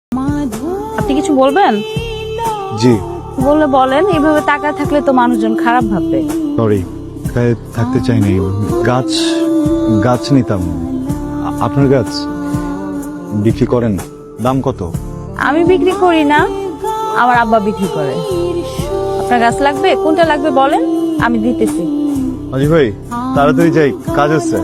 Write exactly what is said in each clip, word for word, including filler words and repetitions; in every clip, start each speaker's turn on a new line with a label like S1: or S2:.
S1: আপনি কিছু বলবেন?
S2: জি
S1: বললে বলেন, এইভাবে তাকায় থাকলে তো মানুষজন খারাপ ভাববে।
S2: সরি, গায়ে থাকতে চাইনি। গাছ গাছ নিতাম। আ- আপনার গাছ বিক্রি করেন? দাম কত?
S1: আমি বিক্রি করি না, আমার আব্বা বিক্রি করে। আপনার গাছ লাগবে? কোনটা লাগবে বলেন, আমি দিতেছি।
S2: আজি ভাই তাড়াতাড়ি যাই, কাজ আছে।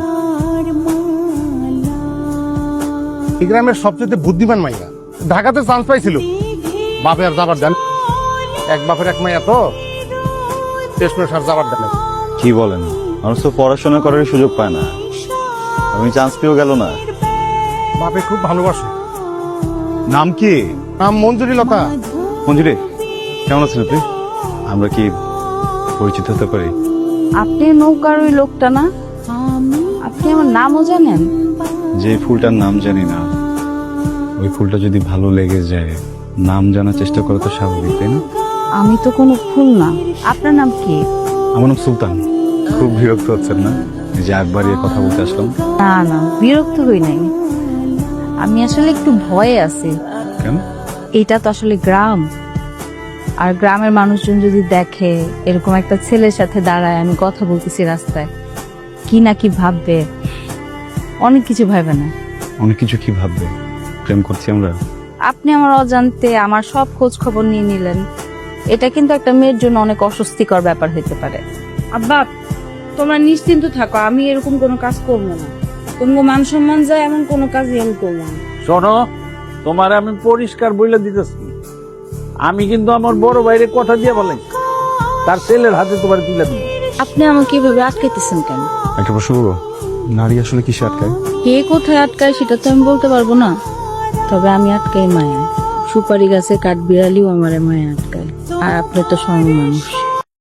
S3: এই গ্রামের সবচেয়ে বুদ্ধিমান মাইয়া ঢাকাতে চান্স পাইছিল। বাপে আর যাবার দেন, এক বাপের এক মাইয়া তো শেষমেশ আর যাবার দেন।
S2: কি বলেন? মানুষ তো পড়াশোনা করার সুযোগ পায় না, আমি চান্স পেয়েও গেল না।
S3: বাপে খুব ভালোবাসে।
S2: নাম কি?
S3: নাম মঞ্জুরি লতা।
S2: মঞ্জুরি, কেমন আছেন আপনি? আমরা কি পরিচিত হতে পারি?
S1: আপনি নৌকার ওই লোকটা না? আপনি আমার নামও জানেন?
S2: যে ফুলটার নাম জানি না, ওই ফুলটা যদি ভালো লেগে যায়, নাম জানার চেষ্টা করা তো স্বাভাবিক, তাই না?
S1: আমি তো কোনো ফুল না। আপনার নাম কি?
S2: আমার নাম সুলতান। খুব বিরক্ত হচ্ছেন না এই যে একবার এ কথা বলতে আসলাম?
S1: না না, বিরক্ত হই নাই। আমি আসলে একটু ভয়ে আছি।
S2: কেন?
S1: এটা তো আসলে গ্রাম, আর গ্রামের মানুষজন যদি দেখে এরকম একটা ছেলের সাথে দাঁড়ায় আমি কথা বলতেছি রাস্তায়, কি না কি ভাববে, অনেক কিছু ভাবে না।
S2: অনেক কিছু কি ভাববে? প্রেম করছি আমরা।
S1: আপনি আমার অজান্তে আমার সব খোঁজ খবর নিয়ে নিলেন, এটা কিন্তু একটা মেয়ের জন্য অনেক অস্বস্তিকর ব্যাপার হতে পারে। আব্বা, তোমরা নিশ্চিন্ত থাকো, আমি এরকম কোনো কাজ করবো না। কোনো মান সম্মান যায় এমন কোনো কাজই আমি করবো না।
S4: শোনো, তোমার আমি পরিষ্কার বলে দিতেছি, আমি কিন্তু আমার বড় ভাইয়ের কথা দিয়ে বলাই, তার ছেলের হাতে তোমার তুলে দিব।
S1: আপনি আমাকে এভাবে আটকাইতেছেন কেন?
S2: একটা প্রশ্ন করবো, নারী আসলে কিসে আটকায়?
S1: কে কোথায় আটকায় সেটা তো আমি বলতে পারবো না, তবে আমি আটকাই মায়া। সুপারি গাছে কাঠ বিড়ালিও আমার মায়া আটকায়, আর আপনি তো স্বয়ং মানুষ।